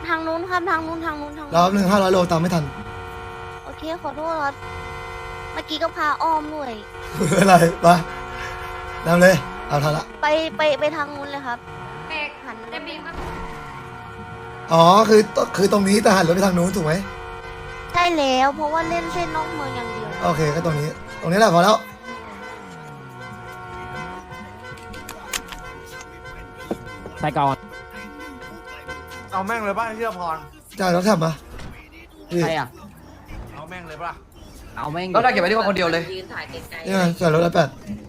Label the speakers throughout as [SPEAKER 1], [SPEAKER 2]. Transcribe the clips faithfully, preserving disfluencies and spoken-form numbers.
[SPEAKER 1] ทางนู้นครับทางนู้นทางนู้นทาง
[SPEAKER 2] รอ
[SPEAKER 1] นู้น
[SPEAKER 2] บหนึ่งห้าร้อยโลตามไม่ทัน
[SPEAKER 1] โอเคขอโทษครับเมื่อกี้ก็พาอ้อมด้วย
[SPEAKER 2] ไม่เป็นไรไปนำเลยเอาทันละ
[SPEAKER 1] ไปไปไปทางนู้นเลยครับ
[SPEAKER 3] เอก
[SPEAKER 1] หัน
[SPEAKER 3] เต็มบีมครับ
[SPEAKER 2] อ๋อคือคือตรงนี้แต่หันรถไปทางนู้นถูกไหม
[SPEAKER 1] ใช่แล้วเพราะว่าเล่นเส้นนอกเมืองอย่างเดียว
[SPEAKER 2] โอเคก็ตรงนี้ ตรงนี้แหละพอแล้ว
[SPEAKER 4] ใส่ก่อน
[SPEAKER 5] เอาแม่งเลยป่ะเชื่อพร
[SPEAKER 2] จ่ายรถแท็บมาพี่
[SPEAKER 4] ใครอ่ะ
[SPEAKER 5] เอาแม่งเลยป่ะ
[SPEAKER 4] เอาแม่ง
[SPEAKER 6] ก็ได้เก็บไว้ที่คนเดียวเลย
[SPEAKER 3] ยืนถ่ายไกล
[SPEAKER 2] นี่ไงจ่ายรถละแปด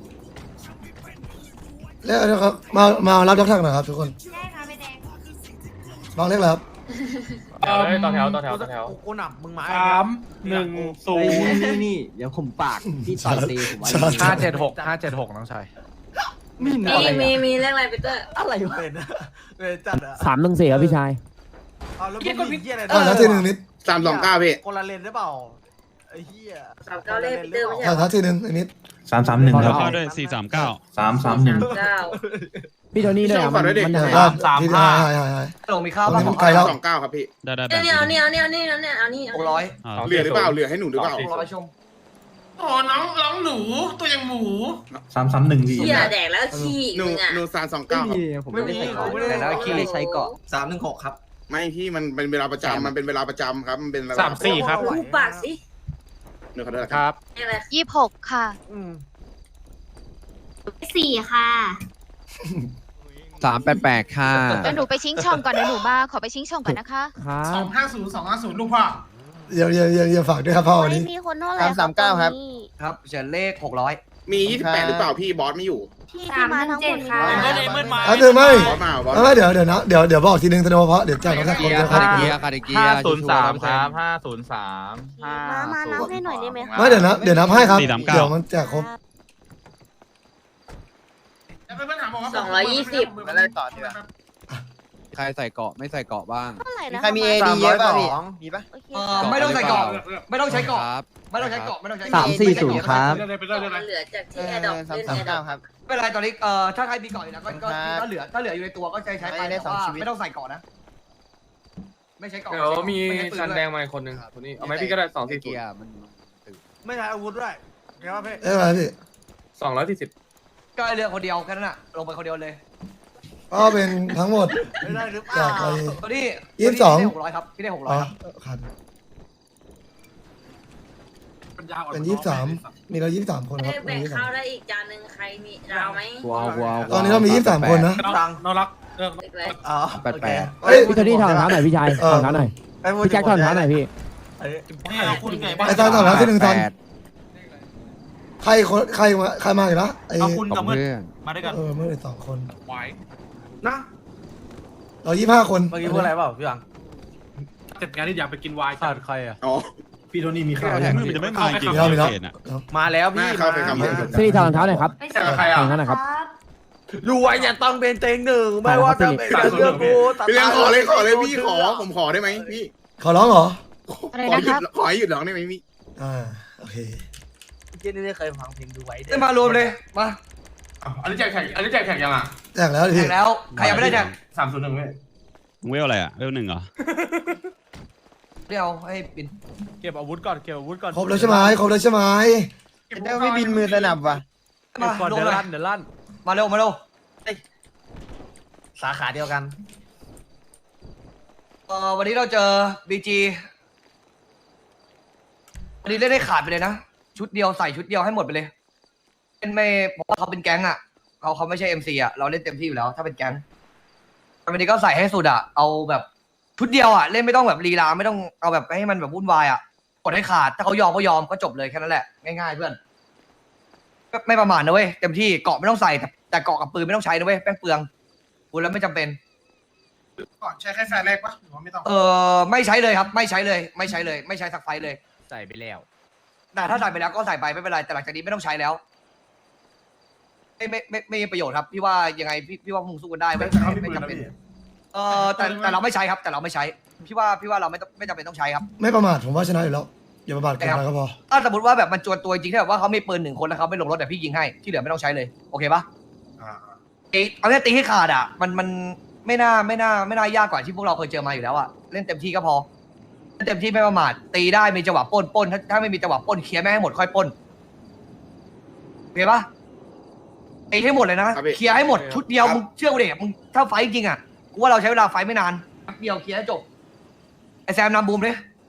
[SPEAKER 2] เรียกนะครับมามารับรถแท็บหน่อยครับทุกคน
[SPEAKER 3] ๆได้ค่ะไปแดง
[SPEAKER 2] ลองเรียกแล้วครับ
[SPEAKER 7] เลยต่อแถวต่อแถวต่อแถว
[SPEAKER 5] กูหนับมึงมา
[SPEAKER 7] สามหนึ่งศูนย์
[SPEAKER 4] นี่นี่เดี๋ยวผมปากพี่ต่อยตีผมไว้
[SPEAKER 5] ห้าเจ็ดหกห้าเจ็ดหกน้องชาย
[SPEAKER 4] มี
[SPEAKER 3] มี
[SPEAKER 4] อะไร
[SPEAKER 3] มี
[SPEAKER 4] อ่ะ
[SPEAKER 3] มีเรื่องอะไรปีเตอร์
[SPEAKER 4] อะไรวะ
[SPEAKER 5] เป็นเป็นจัดอะ
[SPEAKER 4] สามหนึ่งสี่ครับพี่ชาย
[SPEAKER 5] เอาแล้วมึงมีเหี้ยอะไร
[SPEAKER 2] อ่าทัทีหนึ่งนิด
[SPEAKER 8] สามสองเก้าพี่
[SPEAKER 5] คนละเลนได้เปล่าไอ้เหี้ย
[SPEAKER 3] สามเก้าเลขปีเตอร์ไม่ใช่
[SPEAKER 2] อ่าทัทีหนึ่งอันนิด
[SPEAKER 9] สามสามหนึ่งครับ
[SPEAKER 4] ขอ
[SPEAKER 7] ด้วยสี่สามเก้า
[SPEAKER 9] สามสามหนึ่ง
[SPEAKER 3] เก้า
[SPEAKER 4] พี่โทนี่ด้วยอ่ะมันมันหาย
[SPEAKER 2] อ่าทีหายหายหายหาย
[SPEAKER 6] ลงมีข้าว
[SPEAKER 2] ตรง
[SPEAKER 6] บ้าง
[SPEAKER 2] นี้
[SPEAKER 6] ข
[SPEAKER 2] มั
[SPEAKER 6] อน ง
[SPEAKER 2] ไกลแล้ว
[SPEAKER 8] สองเก้าครับพี่
[SPEAKER 7] ได้ได้
[SPEAKER 3] เนี่ยเนี่ยเนี่ยเนี่ยเนี่ยเนี่ยเอานี่
[SPEAKER 6] หกร้อย
[SPEAKER 8] เหลือหรือเปล่าเหลือให้หนูหรือเปล่า
[SPEAKER 6] หกร้อยชม
[SPEAKER 7] โอ้น้องน้องหนูตัวยังหมู
[SPEAKER 9] สามสามหนึ่งพี่
[SPEAKER 3] เชี่ยแดกแล้วขี้
[SPEAKER 8] หนู
[SPEAKER 3] มึงอ่ะ
[SPEAKER 8] หนูสามสองเก้าครับ
[SPEAKER 4] ผมไม่ได้ใส่เกาะ
[SPEAKER 6] แต่แล้วขี้
[SPEAKER 4] ไม่ได้ใช้เกาะ
[SPEAKER 6] สามหนึ่งหกครับ
[SPEAKER 8] ไม่พี่มันเป็นเวลาประจำมันเป็นเวลาประจำครับมันเป็นเวล
[SPEAKER 7] สามสี่ครับ
[SPEAKER 3] กูปากสิ
[SPEAKER 8] หนูขอโทษนะ
[SPEAKER 7] ค
[SPEAKER 8] ครับ
[SPEAKER 7] รับ
[SPEAKER 3] อะไร
[SPEAKER 1] ยี่สิบหกค่ะ
[SPEAKER 5] อืม
[SPEAKER 3] สี่ค่ะ
[SPEAKER 4] สามแปดแปดค่ะ
[SPEAKER 10] เดี๋ยวหนูไปชิงช่องก่อนเดี๋ยวหนูมาขอไปชิงช่องก่อนนะคะ
[SPEAKER 4] ครับ
[SPEAKER 7] สองห้าศูนย์สองห้าศูนย์ลูกพ่อ
[SPEAKER 2] เดี๋ยวเดี๋ยวเดี๋ยวเดี๋ยวฝากด้วยครับพ่อวัน
[SPEAKER 1] ไม่
[SPEAKER 2] นี้
[SPEAKER 1] มีคนเท่าไหร่
[SPEAKER 4] สามเก้าครับ
[SPEAKER 6] ครับเฉียนเลขหกร้อย
[SPEAKER 8] มียี่สิบแปดหรือเปล่าพี่บอสไม่อยู่
[SPEAKER 1] ที่ที่มาทั้งหมดนี้
[SPEAKER 7] ไม่ได้เมื่อมา
[SPEAKER 2] อ่ะเดี๋ยวไม่
[SPEAKER 8] บอสมาบอส
[SPEAKER 2] ไม่เดี๋ยวเดี๋ยวนะเดี๋ยวเดี๋ยวบอกทีนึงธนเพราะเดี๋ยวจ่ายรถแท็บคนเดียวครับ
[SPEAKER 7] ห้าศูนย์สามครับห้าศูนย์สามห้า
[SPEAKER 1] มามานับให้หน่อยได้ไหมคะ
[SPEAKER 2] ไม่เดี๋ยวนะเดี๋ยวนับให้ครับ
[SPEAKER 7] สี่สามเก้า
[SPEAKER 2] เดี๋ยวมันแจกครบ
[SPEAKER 3] สองร้อยยี่สิบ
[SPEAKER 5] ไม่ได้ต่อทีละ
[SPEAKER 4] ใครใส่เกาะไม่ใส่เกาะบ้าง
[SPEAKER 1] เท่าไหร่นะ
[SPEAKER 4] ใครมี
[SPEAKER 1] เอ
[SPEAKER 4] AD เยอะป่ะพี่
[SPEAKER 5] มีป่ะ
[SPEAKER 1] โอเค
[SPEAKER 6] เออไม่ต้องใส่เกาะไม่ต้องใช้เกาะไม่ต้องใช้เกาะไม่ต้องใช้
[SPEAKER 4] สามสี่ศูนย์ครับ
[SPEAKER 3] มันเหลือจากที่แอร์ดอกเล่นแอร์ดอก
[SPEAKER 6] ไม่เป็นไรตอนนี้เอ่อถ้าใครมีเกาะอยู่แล้วก็ก็ก็เหลือถ้าเหลืออยู่ในตัวก็ใช้ใช้ไปแต่ว่าไม่ต้องใส่เกาะนะ ไม่ใช้เกาะ
[SPEAKER 7] เดี๋ยวมี
[SPEAKER 6] ไใปื
[SPEAKER 7] ชัน
[SPEAKER 6] ด้วย
[SPEAKER 7] แดงมาอีกคนหนึ่งคนนี้เอาไหมพี่ก็ได้สองสี่ศูนย์
[SPEAKER 5] ไม่ใช้อาวุธด้วยเห็นป่ะพี่
[SPEAKER 2] เอ้ยมาพี่
[SPEAKER 7] สองร้อยสี่สิบ
[SPEAKER 6] ก็ไอ้เรือคนเดียวแค่นั้นน่ะลงไปคนเดียวเลย
[SPEAKER 2] ก็เป็นทั้งหมด
[SPEAKER 5] ไม่ได้หรือเป
[SPEAKER 2] จา
[SPEAKER 5] ล่าก
[SPEAKER 2] ไป
[SPEAKER 6] ตัวนี้
[SPEAKER 2] ยี่สิบสอง
[SPEAKER 6] พี่ได้หกร้อยครับพี่ได้หกร้อ
[SPEAKER 2] อ๋
[SPEAKER 6] ย
[SPEAKER 2] อ
[SPEAKER 6] ครับ
[SPEAKER 2] คันเป็นยี่สิบสามมีเรายี่สิบสามคนครับ
[SPEAKER 3] แบ่ง
[SPEAKER 2] ยี่สิบ
[SPEAKER 3] ข้า
[SPEAKER 2] สาว ม
[SPEAKER 3] ได้อีกจานหนึ่งใครมีเราไหม
[SPEAKER 4] ว้าวว้าว
[SPEAKER 2] ตอนนี้เรามียี่สิบสามคนนะ
[SPEAKER 5] ตัง
[SPEAKER 7] น้องรัก
[SPEAKER 3] เล็ก
[SPEAKER 5] อ๋อ
[SPEAKER 4] แปดแปด
[SPEAKER 2] เฮ้ย
[SPEAKER 4] พี่โทนี่ถอดรองเท้าหน่อยพี่ชายถอดรองเท้าหน่อยพี่แจ็คถอดรองเท้าหน่อยพี่
[SPEAKER 2] ไอ้ตอนตอนนั้นที่หนึ่งตอนใครคนใครมาใครมาอีกนะไอ้
[SPEAKER 7] คุณกับเพื่อน
[SPEAKER 4] เพื่อน
[SPEAKER 7] มาด้วยกัน
[SPEAKER 2] เออเมื่อสองคน
[SPEAKER 7] ไหว
[SPEAKER 5] นะ
[SPEAKER 2] เรายี่ห้าคน
[SPEAKER 5] เมื่อกี้พูดอะไรเปล่าพี่บัง
[SPEAKER 7] เสร็จงานที่อยากไปกินไวน์
[SPEAKER 5] ขาดใครอ่ะ
[SPEAKER 8] อ๋อ
[SPEAKER 9] พี่โทนี่มีข้าว
[SPEAKER 7] มือมันจะไม่มากิน
[SPEAKER 2] มีแล้วมีแล้ว
[SPEAKER 5] มาแล้วพี่
[SPEAKER 8] มาเข้าไปครับ
[SPEAKER 4] ซีรีส์ถอดรองเท้าหน่อยครับ
[SPEAKER 3] ๆ
[SPEAKER 7] แต่ใครอ่ะ
[SPEAKER 4] ถอดรองเท้าหน่อยครับ
[SPEAKER 5] รวยอย่าต้องเป็นเต็งหนึ่งไม่ว่าจะเป็นเรื่องกู
[SPEAKER 8] พี่เลี้ยงขอเลยขอเลยพี่ขอผมขอได้ไหมพี่
[SPEAKER 2] ขอร้องเหรอ
[SPEAKER 10] อะไร
[SPEAKER 8] ขอ
[SPEAKER 10] นะ
[SPEAKER 8] หยุ
[SPEAKER 10] ครั
[SPEAKER 8] ด
[SPEAKER 10] บ
[SPEAKER 8] ขอให้หยุดร้องได้ไหมพี่
[SPEAKER 2] อ่าโอเค
[SPEAKER 5] เจนนี่ได้เคยฟังเพลงดูไว้
[SPEAKER 6] ได้มารวมเลยมา
[SPEAKER 7] อันนี้แจกแข่งอันนี้แจกแข่งยังอ่ะ
[SPEAKER 2] แจกแล้วดิ
[SPEAKER 6] แข่
[SPEAKER 2] พี่
[SPEAKER 6] งแล้วใครยังไม่ได้แข่ง
[SPEAKER 7] สามศูนย์หนึ่งเว้ย
[SPEAKER 9] เวลอะไรอ่ะเวลหนึ่งเหรอ
[SPEAKER 6] เดี๋ยวให้ปิน
[SPEAKER 5] เก็บอาวุธก่อนเก็บอาวุธก่อน
[SPEAKER 2] ครบแล้วใช่ไหมครบแล้วใช่ไหม
[SPEAKER 5] เดี๋ยวไม่บินมือสนับว่ะ
[SPEAKER 6] มา
[SPEAKER 5] ก่อน
[SPEAKER 6] ลง
[SPEAKER 5] เดี๋ยว
[SPEAKER 6] เลย
[SPEAKER 5] ลั่นเดี๋ยวลั่น
[SPEAKER 6] มาเร็วมาเร็ว
[SPEAKER 5] สาขาเดียวกัน
[SPEAKER 6] เอ่อวันนี้เราเจอบีจีวันนี้เล่นได้ขาดไปเลยนะชุดเดียวใส่ชุดเดียวให้หมดไปเลยเป็นไม่เพราะว่าเขาเป็นแก๊งอ่ะเขาเขาไม่ใช่เอ็มซีอ่ะเราเล่นเต็มที่อยู่แล้ว ถ้าเป็นแก๊งวันนี้ก็ใส่ให้สุดอ่ะเอาแบบชุดเดียวอ่ะเล่นไม่ต้องแบบลีลาไม่ต้องเอาแบบให้มันแบบวุ่นวายอ่ะกดให้ขาดถ้าเขายอมก็ยอมก็จบเลยแค่นั้นแหละง่ายๆเพื่อนก็ไม่ประมาทนะเว้ยเต็มที่เกาะไม่ต้องใส่แต่แต่เกาะกับปืนไม่ต้องใช้นะเว้ยแป้งเปลืองพูดแล้วไม่จำเป็น
[SPEAKER 7] ก่อนใช้แค่แฟนแรกปะหรือว่าไม่ต้อง
[SPEAKER 6] เออไม่ใช้เลยครับ ไม่ใช้เลย ไม่ใช้เลย ไม่ใช้สักไฟเลย
[SPEAKER 5] ใส่ไปแล้ว
[SPEAKER 6] แต่ถ้าใส่ไปแล้วก็ใส่ไปไม่เป็นไรแต่หลังจากนี้ไม่ต้องใช้แล้วไม่ไม่ไม่ไม่มีประโยชน์ครับพี่ว่ายังไงพี่พี่ว่าคงสู้กันได้ไม่ไม่ไม่จำเป็นเออแต่แต่เราไม่ใช้ครับ แต่เราไม่ใช้พี่ว่าพี่ว่าเราไม่ต้องไม่จำเป็นต้องใช้ครับ
[SPEAKER 2] ไม่ประมาทผมว่าชนะอยู่แล้วอย่าประมาทเกินไปก็พอ
[SPEAKER 6] ถ้าสมมติว่าแบบมันจวนตัวจริงๆที่แบบว่าเขามีปืนหนึ่งคนแล้วเขาไม่ลงรถแต่พี่ยิงให้ที่เหลือไม่ต้องใช้เลยโอเคปะตีเอาเนี่ยตีให้ขาดอ่ะมันมันไม่น่าไม่น่าไม่น่ายากกว่าที่พวกเราเคยเจอมาอยู่แล้วอะเล่นเต็มที่ก็พอเล่นเต็มที่ไม่ประมาทตีได้มีจังหวะปล้นปล้นถ้าถ้าไม่มีจังหวะปล้นเคลียร์ไม่ให้หมดค่อยปล้นโอเคปะตีให้หมดเลยนะเคลียร์ให้หมดชุดเดียวมึงเชื่อกูดิมึงถ้าไฟจริงๆอะกูว่าเราใช้เวลาไฟไม่นานแป๊บเดียวเคลียร์ให้จบไอแซมนำบูมดิ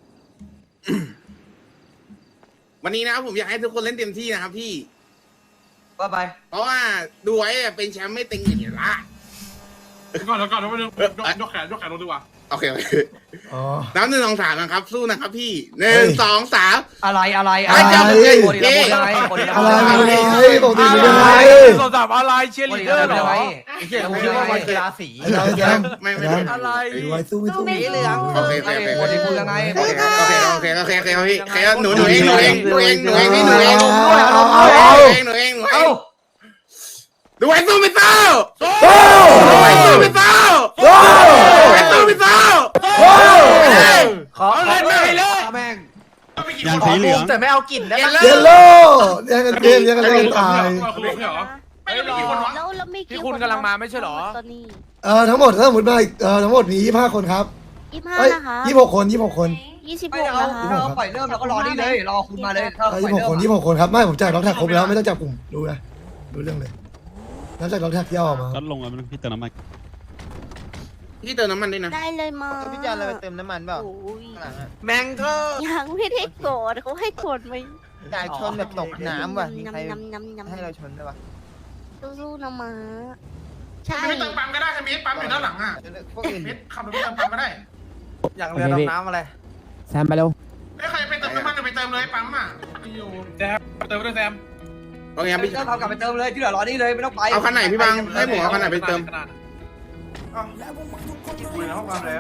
[SPEAKER 8] วันนี้นะครับผมอยากให้ทุกคนเล่นเต็มที่นะครับพี่
[SPEAKER 6] ว่าไป
[SPEAKER 8] เพราะว่าดูไว้เป็นแชมป์ไม่ตึงอย่างนี้ละ
[SPEAKER 7] ก่อนแล้วก่อนแล้วไม่ยกยกแขนยกแขนลงดีกว่า
[SPEAKER 8] โอเคโอเค
[SPEAKER 2] อ๋อ
[SPEAKER 8] น้ำหนึ่งสองสามนะครับ สู้นะครับพี่หนึ่งสองสาม
[SPEAKER 6] อะไรอะไร
[SPEAKER 2] อะไร
[SPEAKER 6] บทดีแล้วบทยังไงบทดีแล้ว
[SPEAKER 2] อะไร
[SPEAKER 6] บท
[SPEAKER 2] อะไรปกติเป็นยังไง
[SPEAKER 7] สอบถามอะไรเชียร์ลีดเดอร์เหรอ
[SPEAKER 6] ไอ้เหี้ยกูคิดว่ามันคือราศี
[SPEAKER 2] ไอ้แซม
[SPEAKER 8] ไม่ไม่
[SPEAKER 2] แซม
[SPEAKER 8] อะไร
[SPEAKER 2] ไอ้ไว้สู้ไม่สู้
[SPEAKER 3] สีเหลือง
[SPEAKER 8] โอเคโอเคโอเค
[SPEAKER 6] บทดีพูดยังไง
[SPEAKER 8] โอเคโอเคโอเคโอเคโอเคพี่ใครหนูหนูเองหนูเองหนูเองหนูเองพี่หนูเองหนูเองหนูเองหนูเอง
[SPEAKER 6] เอ้า
[SPEAKER 8] ดูไว้สู้ไม่สู้
[SPEAKER 2] สู้
[SPEAKER 8] ดูไว้สู้ไม่สู้
[SPEAKER 2] สู้
[SPEAKER 8] ดูไว้สู้ไม่สู้
[SPEAKER 2] สู้
[SPEAKER 6] ขอเล่นไม่เลยแม่ง
[SPEAKER 9] อย่างสีเหลือง
[SPEAKER 5] แต่ไม่เอากลิ่นได้ไหม
[SPEAKER 2] เยลโล่ยังกันเกมยังกันเล่นตาย
[SPEAKER 7] ไม่ได้กี่คนวะ
[SPEAKER 1] แล้วแล้วมีกี่
[SPEAKER 5] ที่คุณกำลังมาไม่ใช่เหรอ
[SPEAKER 1] ตอนนี้
[SPEAKER 2] เออทั้งหมดถ้าสมมติมาอีกเออทั้งหมดมียี่สิบห้าคนครับ
[SPEAKER 1] ยี่สิบห้า
[SPEAKER 2] เอ้ย
[SPEAKER 1] นะคะ
[SPEAKER 2] ยี่สิบหกคนยี่สิบหกคน
[SPEAKER 1] ยี่สิบ
[SPEAKER 6] ไม่
[SPEAKER 1] หก
[SPEAKER 6] เอา
[SPEAKER 1] นะคะ
[SPEAKER 6] เราปล่อยเริ่มเราก็รอนี่เลยรอคุณมาเลยถ้า
[SPEAKER 2] เออ
[SPEAKER 6] ปล่
[SPEAKER 2] ยี่
[SPEAKER 6] อย
[SPEAKER 2] สิบหก
[SPEAKER 6] เริ่ม
[SPEAKER 2] คนยี่สิบหกคนครับไม่ผมจ่ายล็อกแท็กครบแล้วไม่ต้องจับกลุ่มดูนะดูเรื่องเลยนับจากล็อกแท็กที่เอาออกมา
[SPEAKER 9] ก็ลงแล้วมันพี่เติมน้ำมัน
[SPEAKER 8] พี่เติมน้ำมันด้วยนะ
[SPEAKER 1] ได้เลยมา
[SPEAKER 5] พี่จานเลยไปเติมน้ำมันเปล่า
[SPEAKER 1] โอ้ย
[SPEAKER 5] แมงก็
[SPEAKER 1] ยังไม่ได้โกรธเขาให้โกรธไหม
[SPEAKER 5] จ่ายชนแบบตกน้ำว่ะมีใคร
[SPEAKER 1] น้ำน้ำน้ำ
[SPEAKER 5] ให้เราชนได้ปะ
[SPEAKER 1] สู้ๆนะมาใช่
[SPEAKER 7] ไม่เติมปั๊มก็ได้ใช่ไหมปั๊มอยู่ด้านหลังอ่ะ
[SPEAKER 5] พวกอื่น
[SPEAKER 7] เม็ดขับรถไปเติมปั๊มก็ได้
[SPEAKER 5] อย่างเรือดำน้ำอะไร
[SPEAKER 4] แซมไปเร็ว
[SPEAKER 7] ไม่ใครไปเติมน้ำมันไปเติมเลยปั๊มอ่ะอยู่แซมเติมด้วยแซม
[SPEAKER 8] โอเคครับพี่
[SPEAKER 6] เริ่มทำกลับไปเติมเลยที่เหลือรอนี่เลยไม่ต้องไป
[SPEAKER 8] เอาคันไหนพี่บังให้ผมเอาคันไหนไปเติม
[SPEAKER 7] คุยในห้องน้ำแล้ว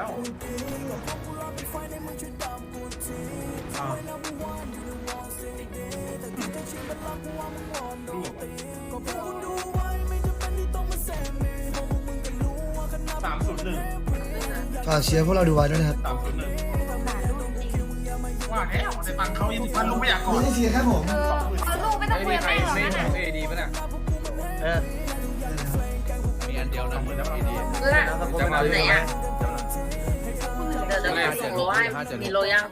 [SPEAKER 7] สามศูนย์หนึ่ง
[SPEAKER 2] ฝากเชียร์พวกเราดูไว้ด้วยนะครับ
[SPEAKER 7] สามศูนย์หนึ่งว่าแล้วในฟังเขายังมันรู้ไม่อยากก่อ
[SPEAKER 2] ไม่
[SPEAKER 7] น
[SPEAKER 2] ใช่เชียร์แค่ผม
[SPEAKER 3] ลูกไม่ต้องคุยกับแม่หรอกนะ
[SPEAKER 5] เออ
[SPEAKER 3] ล่ะไหนอ่ะเดี๋ยวเดี๋ยวส่งโลให้มีโลยัง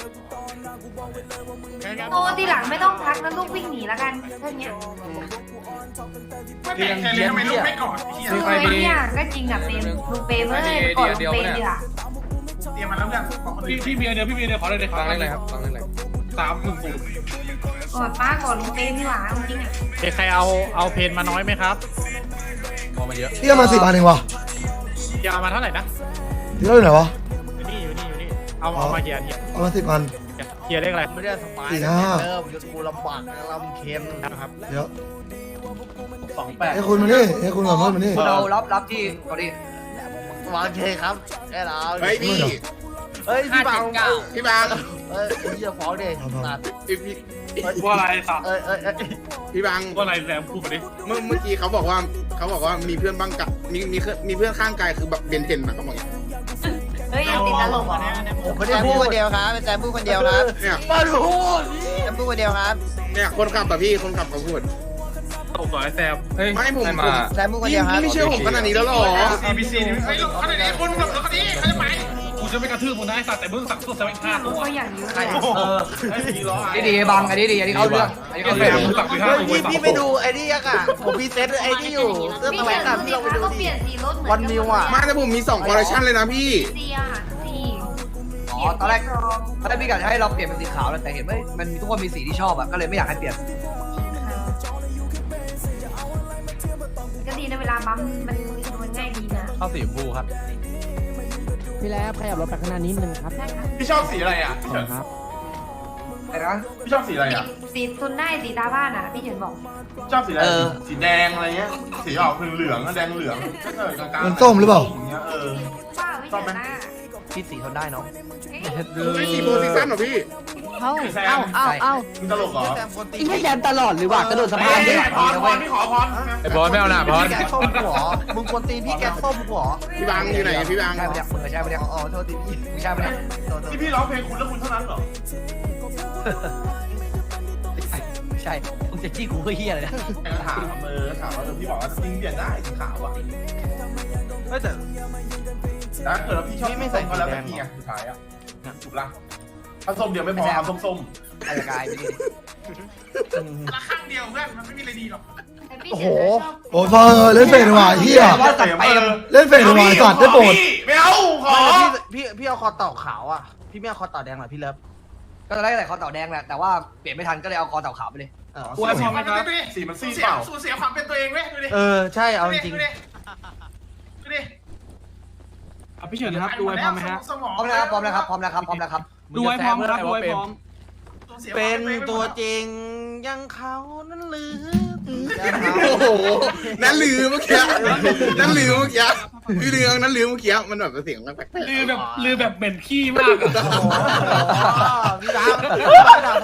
[SPEAKER 10] โตทีหลังไม่ต้องทักแล้วลูกวิ่งหนีแล้วกันแค่เนี้ย
[SPEAKER 7] ไม่แปลกใจเลยทำไมลูกไม่ก่อนเฮีย
[SPEAKER 10] คือไอ้เนี่ยก็จริงกับเปมลูกเปมเลยก่อนลูกเปมดีกว่า
[SPEAKER 7] เตรียมมาแล้วยังพี่พี่เมียเดียวพี่เมียเดียวขอเลยเลยฟังเลยครับฟังเลยสามหนึ่งศูนย์
[SPEAKER 10] ก่อนป้าก่อนลูกเปมดีกว่าจริงอ่ะ
[SPEAKER 5] ใครเอาเอาเพนมาน้อยไหมครับ
[SPEAKER 2] พี่เอามาสิบพันเองวะ
[SPEAKER 5] ยาวมาเท่าไหร่นะ
[SPEAKER 2] พี่เล่าอยู่ไหนวะ
[SPEAKER 5] อยู่นี่อยู่นี่อยู่นี่เอาเอามาเกียร์เกียร์
[SPEAKER 2] เอามาสิบพัน
[SPEAKER 5] เกียร์เลขอะไร
[SPEAKER 6] ไม่ได้สบาย
[SPEAKER 2] สี่ห้า
[SPEAKER 6] เริ่มจะกูลำบากลำเค็ม
[SPEAKER 5] นะครับ
[SPEAKER 2] เดี๋ยว
[SPEAKER 5] สองแปด
[SPEAKER 2] ให้คุณมานี่ให้คุณก่อนมานี่
[SPEAKER 6] เรารับรับที่ก่อนดิ
[SPEAKER 5] วางเคครับแค่เรา
[SPEAKER 8] เฮ้ยพี่
[SPEAKER 5] เฮ้ยพี่บัง
[SPEAKER 8] พี่บัง
[SPEAKER 5] เอ้ยพี่จะฟ้องดิตัด
[SPEAKER 8] พี่พี่
[SPEAKER 7] ว่าอะไรสับ
[SPEAKER 5] เอ้ยเอ้ยเอ้ย
[SPEAKER 8] พี่บัง
[SPEAKER 7] ว่าอะไรแซมพูดมาดิ
[SPEAKER 8] เมื่อเมื่อกี้เขาบอกว่าเขาบอกว่ามีเพื่อนบ้างกับมีมีมีเพื่อนข้างกายคือแบบเบนเทนนะเขาบอกอย่างนี้
[SPEAKER 10] เฮ้ยยังติดตลกอ่ะ
[SPEAKER 5] ผมไม่ได้พูดคนเดียวครับเป็นแซมพูดคนเดียวครับ
[SPEAKER 8] เนี่ย
[SPEAKER 5] มาดูแซมพูดคนเดียวครับ
[SPEAKER 8] เนี่ยคนขับแบบพี่คนขับเขาพูด
[SPEAKER 7] ตกต่อไอ้แซมเฮ้ย
[SPEAKER 8] ไม่ผมผม
[SPEAKER 5] แซมพูดคน
[SPEAKER 8] พี่
[SPEAKER 5] เดียวครับ
[SPEAKER 8] พี่ไม่เชื่อผมขนาดนี้แล้วหรอ
[SPEAKER 7] ซีบีซีไอ้ลูกเขาไหนคนแบบเขาดิเขาจะไปกูจะไม่กระทืบมึงนะไอ้สัตว์แต่มึงสั่งตัวแซมอีกห้าตัว
[SPEAKER 10] ก็อย่างนี้
[SPEAKER 7] ใครเออไอ้ดีล้อ
[SPEAKER 6] อันนี้ดีบังอันนี้ดีอันนี้เข้าเรื่องอันนี้
[SPEAKER 7] ไอ้
[SPEAKER 6] เข้า
[SPEAKER 7] แซ
[SPEAKER 6] เรื่อง
[SPEAKER 7] มมึงสั่งอีกห้าตัว
[SPEAKER 5] พี่พี่ไปดูไอ้นี่ยังอ่ะผมพีเซตไอ้นี่อยู่เสื้อ
[SPEAKER 10] พี่
[SPEAKER 5] ตัวแหว
[SPEAKER 10] เห็
[SPEAKER 5] น
[SPEAKER 10] น
[SPEAKER 5] อ่ะ
[SPEAKER 10] ดู
[SPEAKER 5] พี่
[SPEAKER 10] ดิ
[SPEAKER 5] ลองไป
[SPEAKER 10] คะ
[SPEAKER 5] ดู
[SPEAKER 10] ก็
[SPEAKER 5] ดิ
[SPEAKER 10] เปลี่ยนสีรถเหมือน
[SPEAKER 5] วันมิวอ่ะ
[SPEAKER 8] มาแต่ผมมีสองคอลเลคชันเลยนะพี่
[SPEAKER 10] เสียสี
[SPEAKER 6] อ๋อตอนแรกตอนแรกพี่กะจะให้เราเปลี่ยนเป็นสีขาวแล้วแต่เห็นว่ามันทุกคนมีสีที่ชอบอะก็เลยไม่อยากให้เปลี่ยน
[SPEAKER 10] ก็ดีนะเวลาบัมมันมันง่ายดีนะ
[SPEAKER 5] เข้าสีชมพูครับ
[SPEAKER 4] พี่แล้วขยับรถไปข้างหน้านิดนึงครับ
[SPEAKER 10] ได้ค่ะ
[SPEAKER 7] พี่ชอบสีอะไรอ่ะ
[SPEAKER 4] ขอบคุณครับ
[SPEAKER 6] ไอ้นะ
[SPEAKER 7] พี่ชอบสีอะไรอ่ะ
[SPEAKER 10] สีทุนได้สีตาบ้านอ่ะพี่เฉินบอก
[SPEAKER 7] ชอบสีอะไรสีแดงอะไรเงี้ยสีออกเหลืองๆแดงเหลืองก็เกิดกลาง
[SPEAKER 2] มันส้มหรือเปล่า
[SPEAKER 7] อย่างเงี้ยเออ
[SPEAKER 10] ป้าไม่เฉินหน้า
[SPEAKER 6] พี่สีทนได้เนาะ
[SPEAKER 8] ไม่สีโพซิชั่นหรอพี่
[SPEAKER 4] เอาเอาเอาเอา
[SPEAKER 7] มึงตลกเหรอ
[SPEAKER 4] อีกแค่แซมตลอดหรือว่ากระโดดสะพานดิ
[SPEAKER 7] พรพรพี่ขอพร
[SPEAKER 5] ไอ้บอลไม่เอาหน่าบอลพี่แกส้มหัวมึงคนตีนพี่แกส้มหัว
[SPEAKER 8] พี่บังอยู่ไหนอะพี่บัง
[SPEAKER 6] ใช่ปะเนี่ยมึงใช่ปะเนี่ย
[SPEAKER 5] อ๋อโทษทีพี่
[SPEAKER 6] มึงใช่ปะเนี่ย
[SPEAKER 7] ที่พี่ร้องเพลงคุณแล้วคุณเท่านั้นเหรอ
[SPEAKER 6] ไม่ใช่มึงจะจี้กูเพื่อเฮียอะไรเนี่ย
[SPEAKER 7] ถามเออถามว่าพี่บอกว่าจริงเปลี่ยนได้สีขาวอ่ะ
[SPEAKER 5] ไม่แต่
[SPEAKER 7] แต่ถ้าเกิดเราพี่ชอบไม่ใส่ก็แล้วแต่พี่ไงสุดท้ายอ่ะถูกละถ้าส้มเดียวไม่พอเอาส้ม
[SPEAKER 6] อายกายไปดิ
[SPEAKER 7] ๆละข้างเดียวเพื่อนมันไม่มีอะไรดีหรอก
[SPEAKER 2] โอ้โหโอ้ยพอเล่นเฟรนว่ะเฮีย
[SPEAKER 6] ว่าตัดไป
[SPEAKER 2] เล่นเฟรนว่ะสัตว์ได้โปรด
[SPEAKER 7] ไม่เอาขอ
[SPEAKER 5] พี่พี่เอาคอเต่าขาวอ่ะพี่ไม่เอาคอเต่าแดงหรอพี่เลิฟ
[SPEAKER 6] ก็ตอนแรกใส่คอเต่าแดงแหละแต่ว่าเปลี่ยนไม่ทันก็เลยเอาคอเต่าขาวไปเลย
[SPEAKER 7] กลัวพอไหมครับสีมันซีเปล่าสูญเสียความเป็นตัวเองเว้ยดูดิ
[SPEAKER 5] เออใช่เอาจริง
[SPEAKER 7] ดูดิดูดิ
[SPEAKER 4] พี่เฉินครับดูไว้พร้อมไหมฮะ
[SPEAKER 7] สมอง
[SPEAKER 6] พร้อมแล้วครับพร้อมแล้วครับพร้อมแล้วครับพร้อมแล้วครับ
[SPEAKER 4] ดูไว้พร้อมครับดูไว้พร้อม
[SPEAKER 5] เป็นตัวจริงยังเขานั่นหรือ
[SPEAKER 8] โอ้โหนั่นลือเมื่อกี้นั่นลือเมื่อกี้พี่ลือนั่นลือเมื่อกี้มันแบบเสียงแปลกๆ
[SPEAKER 7] ลือแบบลือแบบเหม็นขี้มากอ่ะ
[SPEAKER 5] พี่บังพี่บัง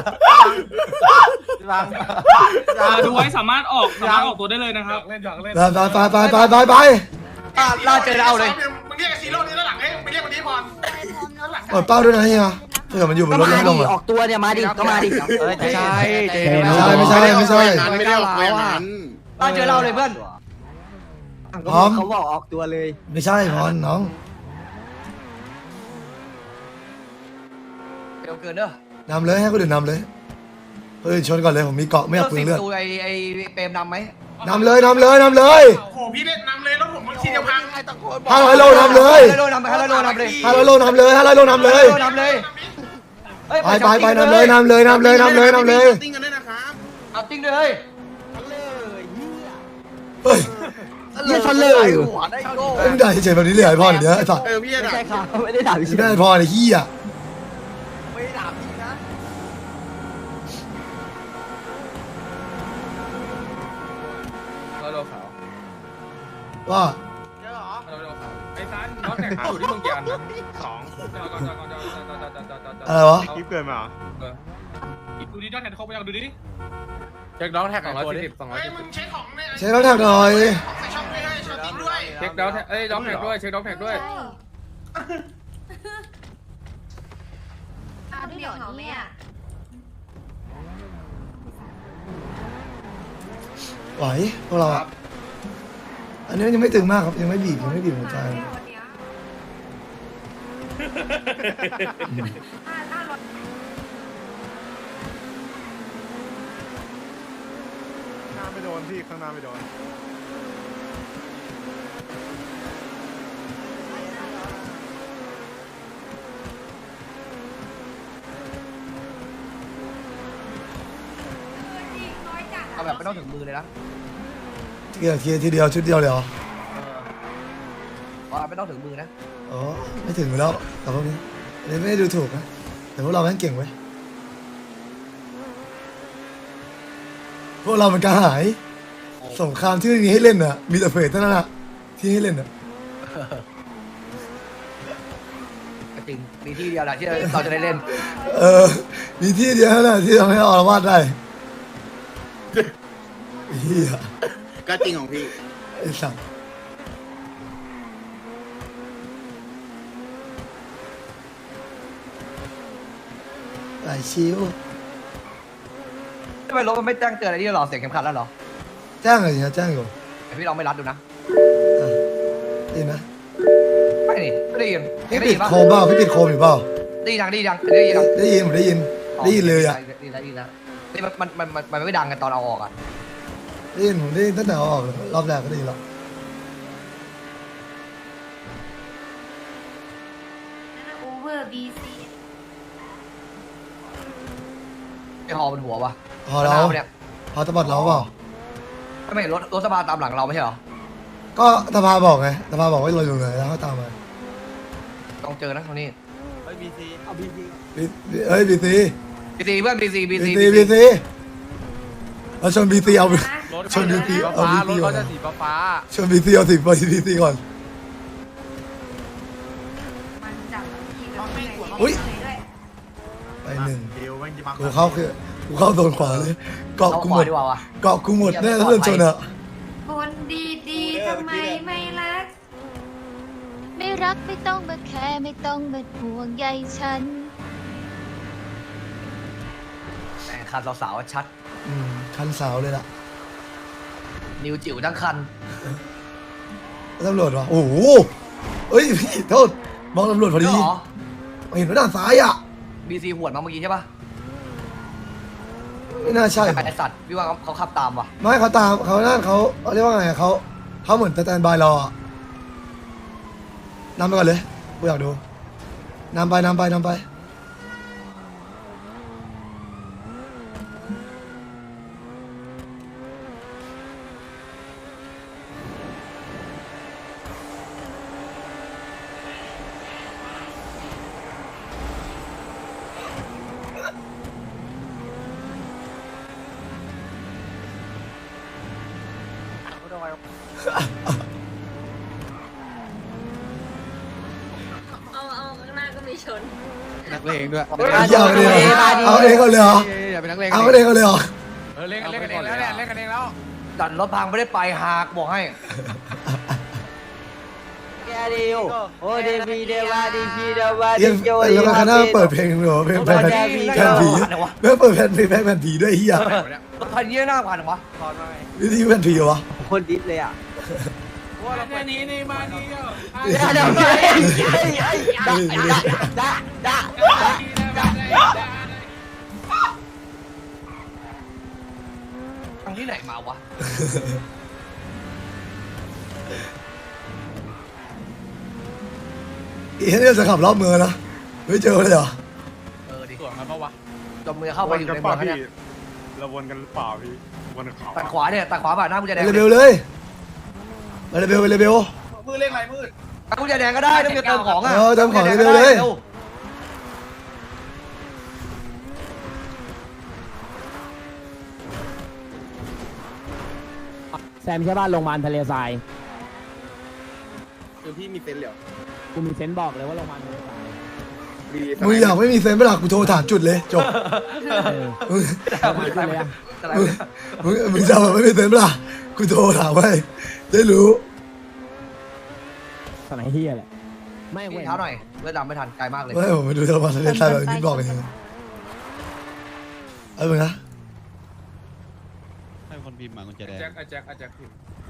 [SPEAKER 5] พี่บัง
[SPEAKER 4] ดูไว้สามารถออกสามารถออกตัวได้เลยนะครับ
[SPEAKER 7] เล่นหยอกเล่น
[SPEAKER 2] ไปไปไปไปไปไป
[SPEAKER 6] ล่าเจอเอาเลย
[SPEAKER 7] มึงเรียกซีโร่นี่แล้วหลังเอ้ยมึงเรียกวันนี้พรแล้วหลัง
[SPEAKER 2] เปิดเป้าด้วยนะเฮียเผื่อมันอยู่บนรถแล้วให้ลงอ่ะ
[SPEAKER 6] ออกตัวเนี่ยมาดิก็มาดิ
[SPEAKER 5] เออใช่
[SPEAKER 2] ไม่ใช่ไม่ใช่ไม่ใช่
[SPEAKER 8] ไม่ได้ออกอย่างนั้น
[SPEAKER 6] ล่าเจอเราเลยเพื่อน
[SPEAKER 2] พร้อม
[SPEAKER 6] เขาบอกออกตัวเลย
[SPEAKER 2] ไม่ใช่พรน้อง
[SPEAKER 6] เร็วเกินเด้อน
[SPEAKER 2] ำเลยให้คนอื่นนำเลยเฮ้ยชนก่อนเลยผมมีเกาะไม่อยากเปลืองเลือด
[SPEAKER 6] ดูไอไอเปรมนำไหม
[SPEAKER 2] นำเลยนำเลยนำเลย
[SPEAKER 7] โอ้โหพี่เล่นนำเลยแล้วผมทีเดียวพัง
[SPEAKER 2] ห้าร้อยโลนำเลย
[SPEAKER 6] ฮัลโหลนำไปฮัลโหลนำเลย
[SPEAKER 2] ห้าร้อยโลนำเลยห้าร้อยโลนำเลย
[SPEAKER 6] นำเลย
[SPEAKER 2] ไปไปไปนำเลยนำเลยนำเลยนำเลยนำเลย
[SPEAKER 8] ติ้งกันด้วยนะครับ
[SPEAKER 6] เอาติ้งเลย
[SPEAKER 2] เฮ้ย
[SPEAKER 6] เยี่ยชนเลยหัวได้โก้
[SPEAKER 2] ไม่ได้เฉยแบบนี้เลยไอพ่อเดี๋ยวไอ้สัตว์
[SPEAKER 8] เออพี่จะด่า
[SPEAKER 6] ไม่ได้ด่าพี่
[SPEAKER 2] ไม่ได้ไอพ่อไอ้เหี้ย
[SPEAKER 6] ไม่ได้ด่าพี่นะ
[SPEAKER 5] เราโดนขาว
[SPEAKER 2] ว่า
[SPEAKER 5] เยอะเหรอ
[SPEAKER 4] เราเราไอ้ซันน้องแข่งอยู่ที่เมืองกีอันนะ
[SPEAKER 7] สอง
[SPEAKER 4] ก่อนก่อนก่อนก่อนก่อนก่อนก่อนก่อนก่อนก่อน
[SPEAKER 2] อะไรวะ
[SPEAKER 7] คลิปเกินมา
[SPEAKER 4] ดูดิน้องแข่งเขาไปยังดูดิ
[SPEAKER 5] เช็คน้องแท็กสองร้อยสี่สิบสองร้อย
[SPEAKER 7] เฮ้ย
[SPEAKER 5] สี่
[SPEAKER 7] มึ
[SPEAKER 5] สิบ
[SPEAKER 7] งเช็คของเนี่ย
[SPEAKER 2] เช็คแล้วแท็กหน่อย
[SPEAKER 7] ใส่ช่องด้วยให้ช่องติ้งด้วย
[SPEAKER 5] เช็คน้องเอ้ยน้องแท็กด้วยเช็คน้องแท็กด้วย
[SPEAKER 10] เอาเดี๋ยวเหรอแม่
[SPEAKER 2] ไหวพวกเราอ่ะอันนี้ยังไม่ตึงมากครับยังไม่บีบยังไม่บีบหัวใจ
[SPEAKER 10] วันเนี้ยห้าห้าร้อย
[SPEAKER 7] หน้าไม่โดนพี่ข้างหน้าไม่โดน
[SPEAKER 10] น้อยจัด
[SPEAKER 6] เอาแบบไม่ต้องถึงมือเลยนะ
[SPEAKER 2] ทีเดียวทีทีเดียวชุดเดียวเลยเหรอ
[SPEAKER 6] เอาไม่ต้องถึงมือนะ
[SPEAKER 2] อ๋อไม่ถึงอยู่แล้วแต่พวกนี้อันนี้ไม่ได้ดูถูกนะแต่พวกเราแม่งเก่งเว้ยพวกเรามันกระหายสงครามที่ไม่มีให้เล่นน่ะมีแต่เฟสเท่านั้นน่ะที่ให้เล่นน่ะ
[SPEAKER 6] จริงมีที่เดียวแหละที่เราจะได้เล่น
[SPEAKER 2] เออมีที่เดียวนั่นแหละที่ทำให้อรวาสได้เฮีย
[SPEAKER 8] ก็จริงของพี่
[SPEAKER 2] ไอ้สัตว์ไหลชิว
[SPEAKER 6] ทำไมรถมันไม่แจ้งเตือนอะไรที่หรอเสียงเข็มขัดแล้วหรอ
[SPEAKER 2] แจ้งเลยนะแจ้งอยู่
[SPEAKER 6] แต่พี่ลองไม่รัดดูนะ
[SPEAKER 2] อ่ะได้ยินไหม
[SPEAKER 6] ไม่นี่ไม่ได้ยิน
[SPEAKER 2] พี่
[SPEAKER 6] ได้
[SPEAKER 2] ปิ
[SPEAKER 6] ยิ
[SPEAKER 2] ด
[SPEAKER 6] นปะ
[SPEAKER 2] โคมเปล่าพี่ปิดโคมอยู่เปล่า
[SPEAKER 6] ได้ยินดังได้ยินดังได้ยินดัง
[SPEAKER 2] ได้ยินผมได้ยินได้ยินเลยอ่ะ
[SPEAKER 6] ได้ยินแล้วได้ยินแล้วนี่มันมันมันมันไม่ดังกันตอนเอาออกอ่ะ
[SPEAKER 2] ได้ยินผมได้ยินตั้งแต่เอาออกเลยรอบแรกก็ได้ยินแล้ว
[SPEAKER 10] โอเวอร์บีซี
[SPEAKER 6] ไอฮอบนหัววะ
[SPEAKER 2] พอแล้ว
[SPEAKER 6] เนี่ย
[SPEAKER 2] พอตะบัดเราเปล่า
[SPEAKER 6] ไม่รถรถสภาตามหลังเราไม่ใช่หรอ
[SPEAKER 2] ก็ตะพาบอกไงตะพาบอกว่าเราอยู่ไหนแล้วก็ตามมา
[SPEAKER 6] ต้องเจอนะตรงนี้
[SPEAKER 5] เฮ้ยบีซีเอาบีซี
[SPEAKER 2] บีเอ้ยบีซี
[SPEAKER 6] บีซีเพื่อนบีซีบี
[SPEAKER 2] บี
[SPEAKER 6] ซี
[SPEAKER 2] ซีบีซีเราชนบีซีเอา ชนบีซี
[SPEAKER 5] ฟ้า
[SPEAKER 2] เอาบี
[SPEAKER 5] รถ
[SPEAKER 2] ซีก่อ
[SPEAKER 5] เขา
[SPEAKER 2] น
[SPEAKER 5] จะสีฟ้า
[SPEAKER 2] ชนบีซีเอาสิบบีซีก่อน
[SPEAKER 10] มันจับทีกับที่ไหน
[SPEAKER 2] อุ๊ย
[SPEAKER 10] ด้วย
[SPEAKER 2] ไปหนึ่ง
[SPEAKER 7] เดียวแม่งจะมา
[SPEAKER 2] กูเข้าคือกูเข้าโดนขวาเลยเกาะ
[SPEAKER 6] เอา
[SPEAKER 2] กู
[SPEAKER 6] ข
[SPEAKER 2] หม
[SPEAKER 6] วา
[SPEAKER 2] ด
[SPEAKER 6] ดีกว่าวะ
[SPEAKER 2] เกาะกูหมดแน่ถ้าเดินชนอ่ะ
[SPEAKER 10] คนดีๆทำไมไม่รัก
[SPEAKER 1] ไม่รักไม่ต้องมาแคร์ไม่ต้องมาห่วงใยฉัน
[SPEAKER 6] แต่คันสาวๆชัด
[SPEAKER 2] อืมคันสาวเลยล่ะ
[SPEAKER 6] นิวจิ๋วทั้งคัน
[SPEAKER 2] ตำรวจวะโอ้โหเอ้ยพี่โทษมองตำรวจพอดี
[SPEAKER 6] เหรอ
[SPEAKER 2] เห็นว่าด้านซ้ายอ่ะ
[SPEAKER 6] บีซีหวดมาเมื่อกี้ใช่ปะ
[SPEAKER 2] ไม่น่าใช่
[SPEAKER 6] ไอสัตว์พี่ว่าเขาขับตามว่ะ
[SPEAKER 2] ไม่เขาตามเขานั่นเขาเขาเรียกว่าไงเขาเขาเหมือนสแตนบายรออะนำไปก่อนเลยกูอยากดูนำไปนำไปนำไป
[SPEAKER 3] เอาเอาข้างหน้าก็มีชน
[SPEAKER 4] นักเลงด้วย
[SPEAKER 2] เอาเองเอาเองก่อนเลยเหรอ
[SPEAKER 4] อย่าเป็นนักเลง
[SPEAKER 2] เอาเองก่อนเลยเหรอ
[SPEAKER 4] เออเล่นกันเล่นกันเองแล้วเนี่ยเล่นกันเองแล้ว
[SPEAKER 6] ดันรถพังไม่ได้ไปหากบอกให้
[SPEAKER 5] แกดิวโอ้ดีพีเดวาดีพีเดวา
[SPEAKER 2] เยังแล้วก็คณะเปิดเพลงเหรอเพลงแผ่นแผ่นผีแม่เปิดแผ่นเพลงแผ่นผีด้วยเฮีย
[SPEAKER 6] รถคันนี้น่าผ่านหรอวะ
[SPEAKER 2] วิธีแผ่นผีเหรอวะ
[SPEAKER 5] คนดิสเลยอ่ะ
[SPEAKER 4] เนี่ยนี้นี่มาดีเดียว
[SPEAKER 5] เดี๋ยวไปด่าด่าด่า
[SPEAKER 6] ทางที่ไหนมาวะ
[SPEAKER 2] อีเนี่ยจะขับรอบเมืองนะไม่เจอเลยเหรอ
[SPEAKER 6] เออดิ
[SPEAKER 4] ส่วนกันปะวะ
[SPEAKER 6] จมมือเข้าไปอยู่ในเมืองเขาเนี่ย
[SPEAKER 9] เราวนกันหรือเปล่าพี่วนเขา
[SPEAKER 6] ตัดขวาเนี่ยตัดขวาผ่านหน้ากุญแจ
[SPEAKER 2] ไป
[SPEAKER 6] แดง
[SPEAKER 2] เรเบลเลยไปเรเบลไปเรเบล
[SPEAKER 7] มือเล่นอะไรมืด
[SPEAKER 6] ตัดกุญแจแดงก็ได้ต้องมีเติมของอ่ะ
[SPEAKER 2] เออเติมของเร็วๆเลย
[SPEAKER 4] แซมใช่ป่ะโรงพยาบาลทะเลทราย
[SPEAKER 8] คือพี่มีเซนเหรอ
[SPEAKER 4] กูมีเซนส์บอกเลยว่าโรงพยาบาลทะเลทราย
[SPEAKER 8] ดี
[SPEAKER 2] มึงอยากไม่มีเซนส์เวลากูโทรถามจุดเลยจบ
[SPEAKER 4] เออ
[SPEAKER 2] มึง
[SPEAKER 4] มาจุดเลยอะ
[SPEAKER 2] มึงมึงมึงจะแบบไม่มีเซนส์เวลากูโทรถามไว้ได้รู้
[SPEAKER 4] สไนเฮียแหละไม่
[SPEAKER 6] มี
[SPEAKER 4] เว้ย
[SPEAKER 6] เท้าหน่อยเลือดดำไม่ทันไกลมากเลย
[SPEAKER 2] ไม่ผมไปดูโทรมาทะเลทรายแบบนี้บอกกันยังไงเอาไปนะ
[SPEAKER 9] ให้คนพิมพ์มากุญแจแดง
[SPEAKER 4] แจ็คแจ็คแจ็ค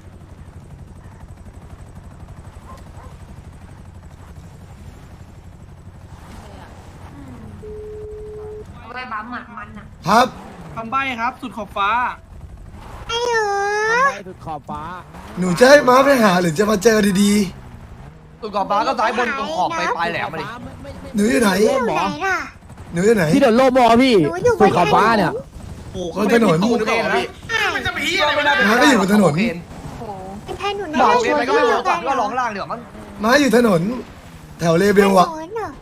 [SPEAKER 10] เอาไปบัมหมัดมันอ่ะ
[SPEAKER 2] ครับ
[SPEAKER 4] คำใบ้ครับ สุดขอบฟ้า
[SPEAKER 1] ไอ้เหรอ
[SPEAKER 4] คำใบ้สุดขอบฟ้า
[SPEAKER 2] หนูจะให้ม้าไปหาหรือจะมาเจอดี
[SPEAKER 6] ตุ่นกรอบฟ้าก็ซ้ายบนตรงขอบไปปลายแหลมมาดิ
[SPEAKER 2] ๆหนูอยู่ไหน
[SPEAKER 1] อยู่ไหนล่ะ
[SPEAKER 2] หนูอยู่ไหน
[SPEAKER 4] ที่เดินโลบอพี่
[SPEAKER 1] หนูอยู่บน
[SPEAKER 4] สุดขอบฟ้าเนี่ย
[SPEAKER 6] โอ้โห
[SPEAKER 2] บนถนน
[SPEAKER 6] ตูหรือเปล่าพี่
[SPEAKER 7] มันจะไปที่อะไรไม่ได้
[SPEAKER 2] ม้าก็อยู่บนถนน
[SPEAKER 6] โอเค
[SPEAKER 1] โอ้เป็นแทนหนู
[SPEAKER 6] บอก
[SPEAKER 1] นะ
[SPEAKER 6] โอเคไปก็ไม่บอกก่อนก็ร้องล่างเดี๋ยวมั้ง
[SPEAKER 2] ม้าอยู่ถนน แถวเลเบลอะ
[SPEAKER 1] แทนหนูเหรอ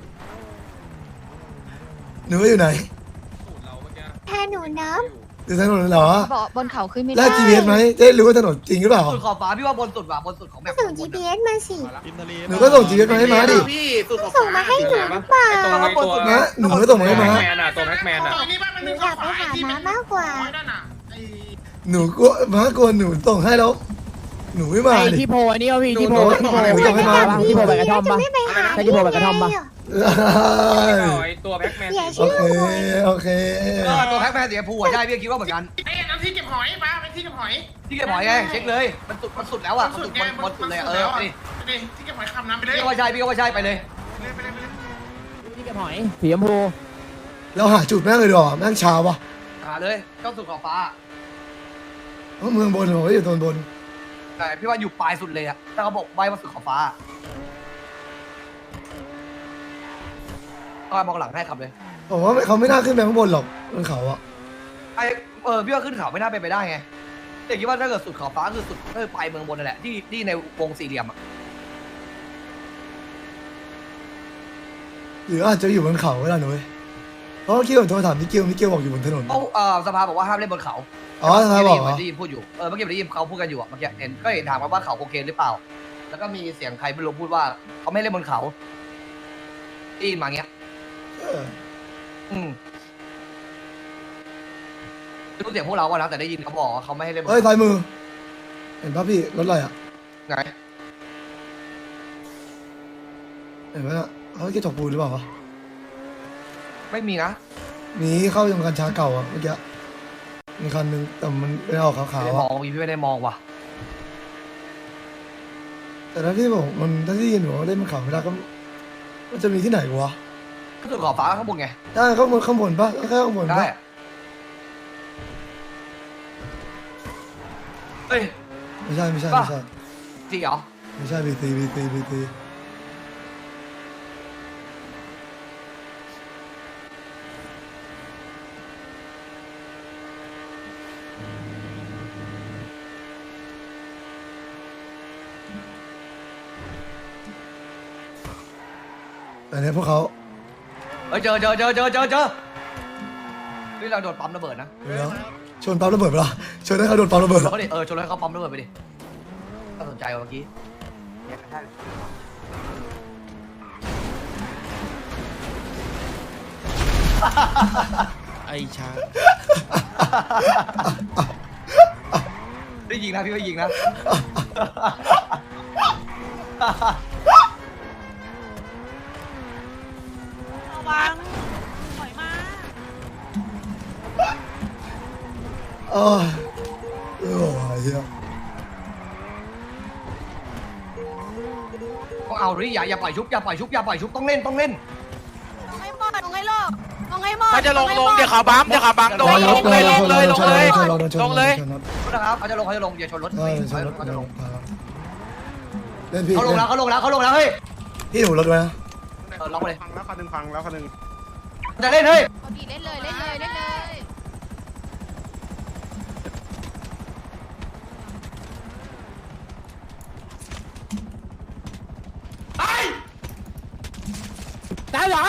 [SPEAKER 2] หนูอยู่ไหน
[SPEAKER 1] แทนหนูน้
[SPEAKER 2] อยู่ถนนเหรอ
[SPEAKER 1] บอกบนเขาขึ้นไม่
[SPEAKER 2] แล้
[SPEAKER 1] ได้
[SPEAKER 2] ว จี พี เอสไหมจะได้รู้ว่าถนนจริงหรือเปล่า
[SPEAKER 6] สุดขอบฟ้าพี่ว่าบนสุดว่ะบนสุดของแบ
[SPEAKER 1] ก็
[SPEAKER 6] บ
[SPEAKER 1] ส่ง จี พี เอส มาสิ
[SPEAKER 9] พิมพ์ทะเล
[SPEAKER 2] หนูก็ส่ง จี พี เอส มาให้ม้าดิ
[SPEAKER 8] พี่สุดขอบ
[SPEAKER 1] ส่งมาให้หนูหรือเปล่า
[SPEAKER 6] บนสุด
[SPEAKER 2] ม้าหนูก็ส่งมาให้ม้า
[SPEAKER 7] ตัวแม็กแมนอ่ะนี่บ้านมัน
[SPEAKER 1] หนู
[SPEAKER 7] มี
[SPEAKER 1] อยากไปหาม้ามากกว่า
[SPEAKER 7] นั่นอ่ะไอ้
[SPEAKER 2] หนูกลัวม้ากลัวหนูส่งให้แล้ว หนูไม่มา
[SPEAKER 4] ไอ้
[SPEAKER 2] ดิ
[SPEAKER 4] ที่โพอันนี้วะพี่ที่โพ
[SPEAKER 2] หนู
[SPEAKER 4] ที่โพ
[SPEAKER 2] หนูส่งให้ม้า
[SPEAKER 4] ที่โพใบกระท่อมปะ
[SPEAKER 1] ไม่ไปหา
[SPEAKER 4] ใช่ที่โพใบกระท่อมปะ
[SPEAKER 7] ตัวแม็กแมน
[SPEAKER 1] อย่า
[SPEAKER 2] โอ
[SPEAKER 1] ชื่อ
[SPEAKER 2] เค โอเค
[SPEAKER 6] เออตัวแพ็คแม่เสียผูอ่ะใช่พี่คิดว่าเหมือนกัน
[SPEAKER 7] ไอ้น้ำที่เก็บหอยปะเป็นที่เก็บหอย
[SPEAKER 6] ที่เก็บหอยไงเช็คเลยมันสุดมันสุดแล้วอ่ะมันสุดบนบนสุดเลยเออไปดิ
[SPEAKER 7] ที่เก็บหอยคำน้ำไปเลย
[SPEAKER 6] พี่ก็ว่าใช่พี่ก็ว่าใช่ไปเลย
[SPEAKER 7] ไปเลยไปเลย
[SPEAKER 4] ที่เก็บหอยสีชมพู
[SPEAKER 2] เราหาจุดแม่งเลยดีกว่าแม่งเช้าวะ
[SPEAKER 6] หาเลยเจ้าสุดขอบฟ้า
[SPEAKER 2] เพราะเมืองบนผมก็อยู่ตอนบน
[SPEAKER 6] แต่พี่ว่าอยู่ปลายสุดเลยอะถ้าเขาบอกใบมาสุดขอบฟ้าก็มองหลังให้ขับเลย
[SPEAKER 2] ผมว่าเขาไม่น่าขึ้นไปข้างบนหรอกบนเขาอะ
[SPEAKER 6] ไอเออพี่ว่าขึ้นเขาไม่น่าเป็นไปได้ไงแต่คิดว่าถ้าเกิดสุดขอบฟ้าคือสุดก็คือปลายเมืองบนนั่นแหละที่ที่ในวงสี่เหลี่ยมอะ
[SPEAKER 2] หรืออาจจะอยู่บนเขาก็ได้นะเว้ยเพราะเมื่อกี้ผมโทรถามมิเกลมิเกลบอกอยู่บนถนน
[SPEAKER 6] เขาเออสภาบอกว่าห้ามเล่นบนเขา
[SPEAKER 2] อ๋อทนายบอกเหรอ
[SPEAKER 6] ได้ยินพูดอยู่เออเมื่อกี้ได้ยินเขาพูดกันอยู่อะเมื่อกี้เห็นก็เห็นถามกันว่าเขาโอเคหรือเปล่า แล้วก็มีเสียงใครไม่รู้พูดว่าเขาไม่เล่นบนเขาได้ยินมาเงี้ย
[SPEAKER 2] เออ
[SPEAKER 6] อืมไม่รู้เสียงพวกเราอะนะแต่ได้ยินเขาบอกว่าเขาไม่ให้เล่นบน
[SPEAKER 2] เฮ้ย
[SPEAKER 6] เขา
[SPEAKER 2] ซ้ายมือ เห็นป่ะพี่รถอะไรอะ
[SPEAKER 6] ไง
[SPEAKER 2] เห็นไหมอะเขาแค่จกปูนหรือเปล่าวะ
[SPEAKER 6] ไม่มีนะ
[SPEAKER 2] หนีเข้ายังกัญชาเก่าอะเมื่อกี้มีคันหนึงแต่มันเป็นออกขาว
[SPEAKER 6] ไม่
[SPEAKER 2] ๆ
[SPEAKER 6] ได้ม
[SPEAKER 2] อะ
[SPEAKER 6] องพี่ไม่ได้มองว่ะ
[SPEAKER 2] แต่ถ้าที่ผมมันถ้าที่ยินผมว่าเล่นมันเขาไม่ได้ก็มันจะมีที่ไหนวะ
[SPEAKER 6] ก็คือขอบฟ้าข้างบนไง
[SPEAKER 2] ได้ข้างบนข้างบนปะแค่ข้างบน
[SPEAKER 6] ได้
[SPEAKER 2] ปะ
[SPEAKER 6] เอ้ย
[SPEAKER 2] ไม่ใช่ไม่ใช่ไม่ใช่
[SPEAKER 6] จริงเหรอ
[SPEAKER 2] ไม่ใช่บีตีบีตีบีตีแต่เนี้ยพวกเขา
[SPEAKER 6] เอ้ยเจอเจอเจอเจอเจอเจอนี่เราโดนปั๊มระเบิดนะ
[SPEAKER 2] เดี๋ยวชนปั๊มระเบิดไปละชนให้เขาโดนปั๊มระเบิด
[SPEAKER 6] เรา
[SPEAKER 2] ละ
[SPEAKER 6] ก็ดิเออชนให้เขาปั๊มระเบิดไปดิน่าสนใจว่ะเมื่อกี้
[SPEAKER 8] ไอ้ชา
[SPEAKER 6] ได้ยิงนะพี่ไม่ยิงนะ
[SPEAKER 2] เออโอ้ยเหี้ย
[SPEAKER 6] ก็เอาดิอย่าอย่าปล่อยชุบอย่าปล่อยชุบอย่าปล่อยชุบต้องเล่นต้องเล่น
[SPEAKER 1] ลงให้หมดลงให้โลกลงให้หมด
[SPEAKER 8] ถ้าจะลงลงเดี๋ยวเขาบัมเดี๋ยวเขาบัมลงลงเลยลงเลยลงเลยลงเลย
[SPEAKER 6] นะครับเขาจะลงเขาจะลงอย่าชนรถ
[SPEAKER 2] ใช่ใช่รถ
[SPEAKER 6] เขาจะลง
[SPEAKER 2] เล่นพี่
[SPEAKER 6] เขาลงแล้วเขาลงแล้วเขาลงแล้วเฮ้ย
[SPEAKER 2] พี่หนูรถไว้นะ
[SPEAKER 6] เออล็อกไปเลย
[SPEAKER 9] พังแล้วคันหนึ่งพังแล้วคันหนึ่ง
[SPEAKER 6] จะเล่นเฮ้ย
[SPEAKER 1] เอาดีเล่นเลยเล่นเลยเล่นเลย
[SPEAKER 4] ตายไหล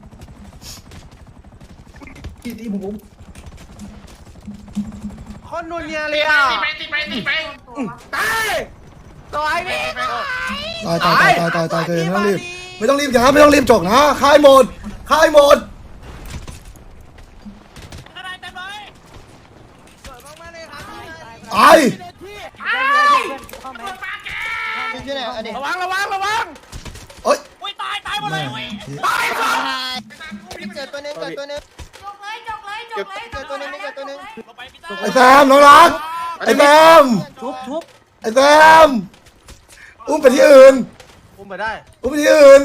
[SPEAKER 5] คนนูเนียเลยอ่ะ
[SPEAKER 7] ตีไปตีไปตีไป
[SPEAKER 5] ตายต่อยพี่
[SPEAKER 2] ตายตายตายตายตายตายไม่ต้องรีบไม่ต้องรีบอย่าไม่ต้องรีบจกนะค่ายหมดค่ายหมดไอ้
[SPEAKER 5] ระวังระวังระวัง
[SPEAKER 2] เอ้ย
[SPEAKER 7] ตายตายหมดเลย
[SPEAKER 5] ตายก่อน
[SPEAKER 10] จกเลยจกเลยจกเลยจกเลยจกเลยจกเลย
[SPEAKER 2] ไอ้แซมน้องรักไอ้แซม
[SPEAKER 5] ทุบทุบ
[SPEAKER 2] ไอ้แซมอุ้มไปที่อื่น
[SPEAKER 5] อุ้มไปได้
[SPEAKER 2] อุ้มไปที่อื่น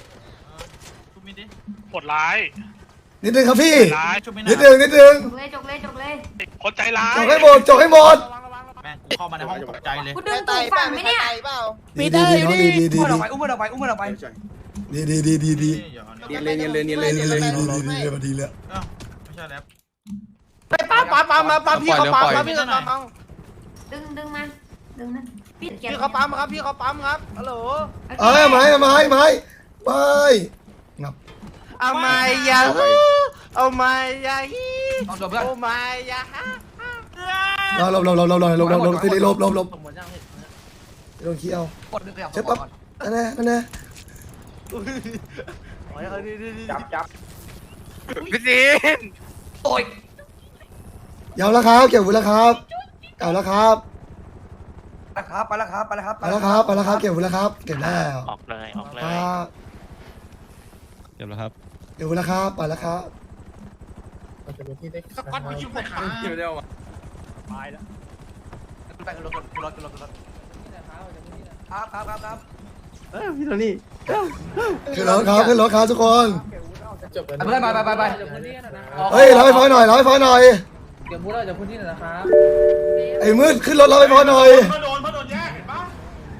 [SPEAKER 9] ปวดร้าย
[SPEAKER 2] นิดนึงครับพี่
[SPEAKER 9] ร้ายชุบไม่
[SPEAKER 2] นิด
[SPEAKER 9] น่า
[SPEAKER 2] นึงนิดนึง
[SPEAKER 10] จกเลยจกเลยจกเลย
[SPEAKER 9] คนใจร้าย
[SPEAKER 2] จกให้หมดจกให้หมด
[SPEAKER 7] แม่งกูเข้ามาในห้องตกใจเลย
[SPEAKER 10] กูดึงตูดฝั่งไหมเนี่ย
[SPEAKER 2] ดีดีดีน้องดีดีดี
[SPEAKER 6] อุ้มมันออกไปอุ้มมันออกไปอุ้มมันออกไป
[SPEAKER 2] ดีดีดีดีดี
[SPEAKER 8] เนียนเลยเนียนเลยเนียนเลย
[SPEAKER 2] ดี
[SPEAKER 8] เนียน
[SPEAKER 2] ดี
[SPEAKER 8] เลย
[SPEAKER 2] ดีดีดีดีดีเลย
[SPEAKER 7] ไม่ใช่แล้ว
[SPEAKER 5] ไปปั๊มปั๊มปั๊มมาปั๊มพี่เขาปั๊มครับพี่เขาปั๊ม
[SPEAKER 10] ดึงดึงมาดึงนะปิดเก็บ
[SPEAKER 5] พี่เขาปั๊มครับพี่เขาปั๊มครับฮัลโหล
[SPEAKER 2] เอ้ยไม้ไม้ไม้ไม้งับ
[SPEAKER 5] เอาไม่ยาฮูเอาไม่ยาฮี
[SPEAKER 6] ต้องโดนเพื่อน
[SPEAKER 5] โอ้ไม่ยาฮะ
[SPEAKER 2] เราเราเราเราเราเราเราเราตีลบลบลบโดนเขี้ยว
[SPEAKER 6] กดดึงขยับ
[SPEAKER 2] เช็ดปั๊บนั่นแน่นั่นแน่
[SPEAKER 5] จับจับ
[SPEAKER 8] พี่ซีน
[SPEAKER 6] โอ้ย
[SPEAKER 2] ยาวแล้วครับเก็บไว้แล้วครับเก่าแล้วครับ
[SPEAKER 6] นะครับไปแล้วครับไปแล้วครับ
[SPEAKER 2] ไปแล้วครับไปแล้วครับเก็บไว้แล้วครับเก็บแล้ว
[SPEAKER 9] ออกเลยออกเลย
[SPEAKER 2] ครับ
[SPEAKER 9] เดี๋ยวแล้วครับ
[SPEAKER 2] เก็บไว้แล้วครับไปแล้วครับ
[SPEAKER 7] สก๊อตไปยิงผมมา
[SPEAKER 8] เดี๋ยวเดี๋ยว
[SPEAKER 6] ไปขึ้นรถขึ้นรถขึ้นรถขึ้นรถครับครับครับครับ
[SPEAKER 5] พี่โทนี่
[SPEAKER 2] ขึ้นรถครับขึ้นรถครับทุกคน
[SPEAKER 6] เพื่อนไปไปไปไป
[SPEAKER 2] เฮ้ยรับไฟฟ้าหน่อยรับไฟฟ้าหน่อยเดี๋ยวพูดเราจะพูดที่ไหนนะครับไอ้มืดขึ้นรถรับไฟฟ้าหน่อย
[SPEAKER 7] เพื่อโดนเพื่อโดนแยกเห็นปะ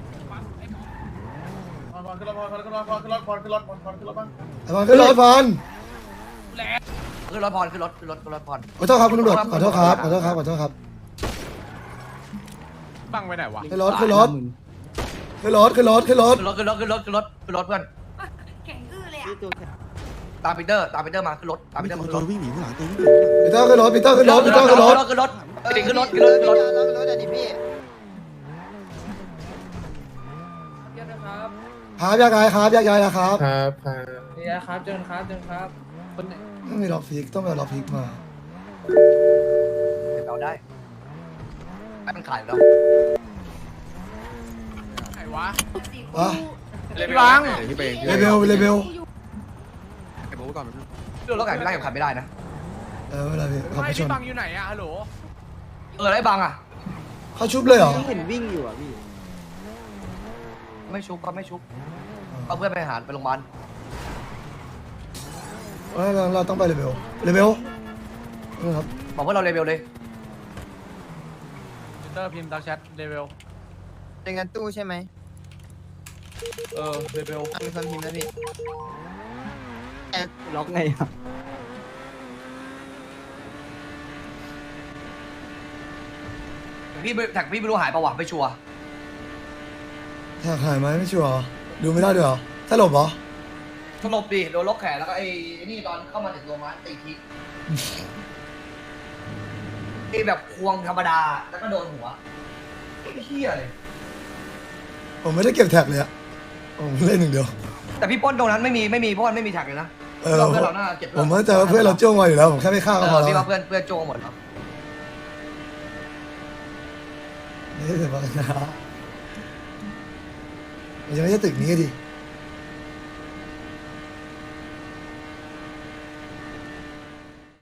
[SPEAKER 7] ขึ้นรถขึ้นรถขึ้นรถขึ้นรถขึ้นรถขึ้นรถขึ้นรถบ้าง
[SPEAKER 2] ไอ้บอลขึ้นรถบอล
[SPEAKER 6] ขึ้นรถพรขึ้นรถขึ้นรถขึ้นรถพร
[SPEAKER 2] ขอโทษครับคุณตำรวจขอโทษครับขอโทษครับขอโทษครับ
[SPEAKER 9] บังไปไหนวะ
[SPEAKER 2] ขึ้นรถขึ้นรถขึ้นรถขึ้นรถขึ้นรถ
[SPEAKER 6] ขึ้นรถขึ้นรถขึ้นรถขึ้นรถขึ้นรถเพื่อน
[SPEAKER 10] แข็งอื้อเลยอ่ะ
[SPEAKER 6] ตามปีเตอร์ตามปีเตอร์มาขึ้นรถตามปีเตอร์มาขึ้นรถ
[SPEAKER 8] วิ่งหนีข้างหลังตัววิ่ง
[SPEAKER 2] ปีเตอร์ขึ้นรถปีเตอร์ขึ้นรถปีเตอร์ขึ้นรถ
[SPEAKER 6] ขึ้นรถขึ้นรถขึ้นรถขึ้นรถขึ้นรถ
[SPEAKER 2] ครับยากายครับยากายนะครับ
[SPEAKER 5] ครับครับ
[SPEAKER 2] ต้องมีล็อกพิกต้องมีล็อกพิกมา
[SPEAKER 6] เราได้ให้มันขายแล้ว
[SPEAKER 2] วะ
[SPEAKER 8] พี่บังพี่ไป
[SPEAKER 2] เลเบลเลเบล
[SPEAKER 8] ไอ้โบ๊ทก่อน
[SPEAKER 6] เรื่องรถขายไม่ได้กับขายไม่ได้นะ
[SPEAKER 2] เออไม่เป็นไรพี่ขับไปชน
[SPEAKER 5] บังอยู่ไหนอะฮัลโหล
[SPEAKER 6] เออไรบังอ่ะ
[SPEAKER 2] เขาชุบเลยเหรอ
[SPEAKER 5] เห็นวิ่งอยู่อ่ะพี่
[SPEAKER 6] ไม่ชุบก็ไม่ชุบเอาเพื่อนไปหาไปโรงพยาบาล
[SPEAKER 2] เอ้ยเราเราต้องไปเลเวลเลเวลนะครับ
[SPEAKER 6] บอกว่าเราเลเวลเลย
[SPEAKER 5] เตอร์พิมพ์ดักแชทเลเวล
[SPEAKER 4] เป็นงานตู้ใช่ไหม
[SPEAKER 5] เออเลเวล
[SPEAKER 4] มีคนพิมพ์แล้วพี่ล็อกไงอ่ะ
[SPEAKER 6] พี่แท็กพี่ไม่รู้หายประวัติไม่ชัวร์
[SPEAKER 2] ถ้าหายไหมไม่ชัวร์ดูไม่ได้ด้วยเหรอสลบเหรอ
[SPEAKER 6] สลบดิโดนล็อกแขนแล้วก็ไอ้นี่ตอนเข้ามาถึงโรงพยาบาลตีทีไอ้แบบควงธรรมดาแล้วก็โดนหัวไอ้เหี้ยเลย
[SPEAKER 2] ผมไม่ได้เก็บแท็กเลยอะผมเล่นหนึ่งเดียว
[SPEAKER 6] แต่พี่ป้นตรงนั้นไม่มีไม่มีเพราะมันไม่มีแท็กเลยนะ
[SPEAKER 2] เออ
[SPEAKER 6] เพื่อนเราหน้าเจ็บ
[SPEAKER 2] ผมมั่นใจว่าเพื่อนเราจ้วงมาอยู่แล้วผมแค่ไม่ฆ่าก็พอ
[SPEAKER 6] เออ
[SPEAKER 2] แล้ว
[SPEAKER 6] พี่ว่าเพื่อนเพื่อนโจหมดแล้ว
[SPEAKER 2] นี่แต่ว่านะมันยังไม่ใช่ตึกนี้ดิ